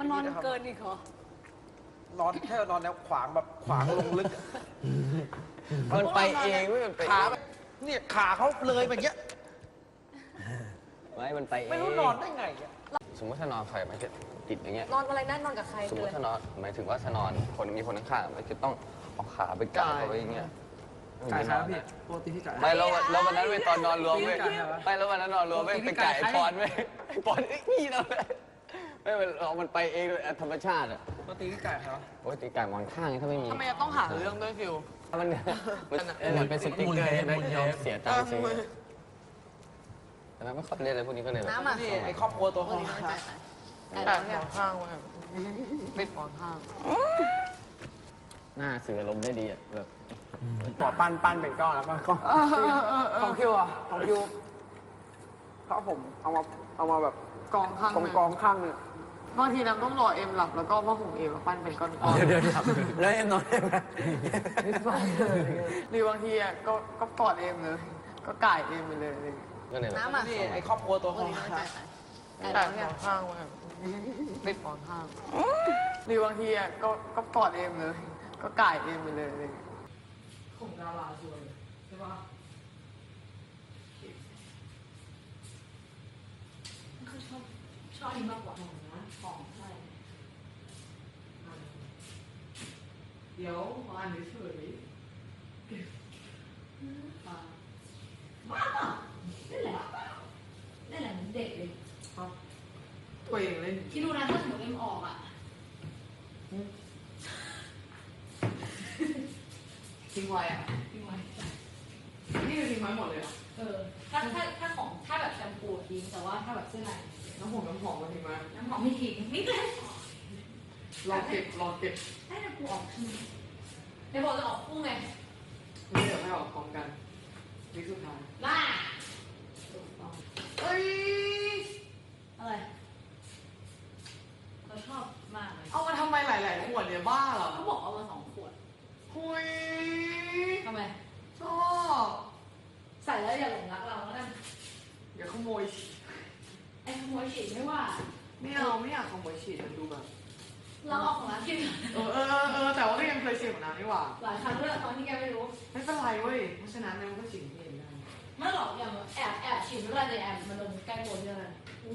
มันนอนเกินอีกเหรอนอนแค่นอนแนวขวางแบบขวางลงลึกมันไปเองไม่มันไปขาแบบเนี่ยขาเขาเลยแบบเนี้ยไม่มันไปเองไม่รู้นอนได้ไงอะสมมติถ้านอนใครมันจะติดอย่างเงี้ยนอนอะไรนั่นนอนกับใครสมมติถ้านอนหมายถึงว่าถ้านอนคนมีคนข้างๆมันจะต้องเอาขาไปไก่เขาไว้อย่างเงี้ยไก่ครับพี่ปกติพี่ไก่ไม่แล้ววันนั้นไปตอนนอนรวมเว้ยพี่ไก่เหรอไม่แล้ววันนั้นนอนรวมเว้ยไปไก่ไอ้ปอนเว้ยไอ้ปอนนี่เราเลยไม่มันไปเองเลยธรรมชาติอ่ะปกติพี่ไก่ครับโอ้ยตีไก่มองข้างถ้าไม่มีทำไมจะต้องหาเรื่องด้วยฟิวมันเป็นสติ๊กเกอร์ให้ยอมเสียตังค์ซื้อแต่ไม่ค่อยเล่นอะไรพวกนี้ก็เลยแบบน้ำอ่ะนี่ไอครอบครัวตัวของแปะหมอนข้างไว้ปิดหมอนข้างหน้าสื่ออารมณ์ได้ดีอ่ะแบบต่อปั้นเป็นก้อนแล้วก็ก้อนของคิวอ่ะของคิวเขาผมเอามาแบบกองข้างกองข้างเนี่ยบางทีน้ำต้องรอเอ็มหลับแล้วก็พ่อผมเอ็มปั้นเป็นก้อนๆเดี๋ยวแล้วเอ็มนอนได้ไหมหรือบางทีอ่ะก็กอดเอ็มเลย ก็ก่ายเอ็มไปเลยก็เลยแบบน้ำอ่ะนี่ไอครอบครัวตัวของแปะหมอนข้างไว้ปิดหมอนข้างหรือบางทีอ่ะก็กอดเอ็มเลย ก็ก่ายเอ็มไปเลยของดาราชวนใช่ปะเขาชอบอันนี้มากกว่าของนะของใช่เดี๋ยวขออ่านเฉยบ้าเล่นแหละเล่นแหละเหมือนเด็กเลยๆตัวเองเล่นคิดดูนะถ้าสมมติเอ็มออกอ่ะทิ้งไว้อ่ะทิ้งไว้นี่คือทิ้งไว้หมดเลยอ่ะถ้าของถ้าแบบแชมพูทิ้งแต่ว่าถ้าแบบเสื้อในน้ำหอมมาทิ้งไว้น้ำหอมไม่ทิ้งไม่เลยรอเก็บให้น้ำปูออกทีในบอกจะออกคู่ไงนี่เดี๋ยวให้ออกพร้อมกันนี่สุดท้ายล่าถูกต้องเอ้ยอะไรเขาชอบมากเลยเอามาทำไมหลายๆขวดเนี่ยบ้าเหรอเขาบอกเอามา2 ขวดคุยทำไมชอบใส่แล้วอย่าหลงรักเราแล้วกันอย่าขโมยไอ้ขโมยฉีดไม่ว่าไม่เอาไม่อยากขโมยฉีดมันดูแบบเราเอาของร้านกินแต่ว่าก็ยังเคยเสี่ยงนะนี่หว่าหลายครั้งด้วยตอนที่แกไม่รู้ไม่เป็นไรเว้ยเพราะฉะนั้นมันก็ฉีดเองได้ไม่หรอกอย่างแอบฉีดไม่เป็นไรแต่แอบมันโดนใกล้โดนเยอะเลย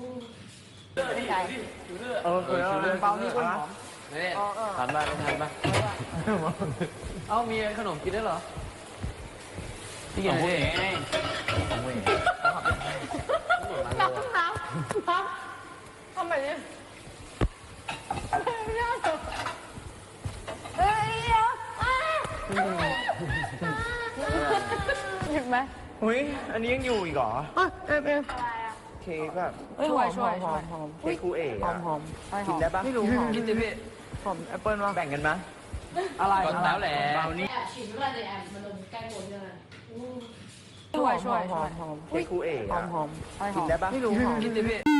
เปล่านี่คนหอมไม่ได้ทานบ้างไม่ทานบ้างเอ้ามีขนมกินได้เหรอพี่กินอะไรของมึงน้ำทำไมเนี่ยหยิบไหมอุ้ยอันนี้ยังอยู่อีกเหรอเอ็มเค้กแบบช่วยเค้กคูเอ๋หอมหอมกินได้ปะไม่รู้หอมกินดิพี่หอมแอปเปิ้ลวะแบ่งกันไหมอะไรแล้วแหละแอบฉีดไม่เป็นไรแต่แอบมันโดนใกล้โดนเยอะเลยช่วยหอมเค้กคูเอ๋หอมกินได้ปะไม่รู้หอมกินดิพี่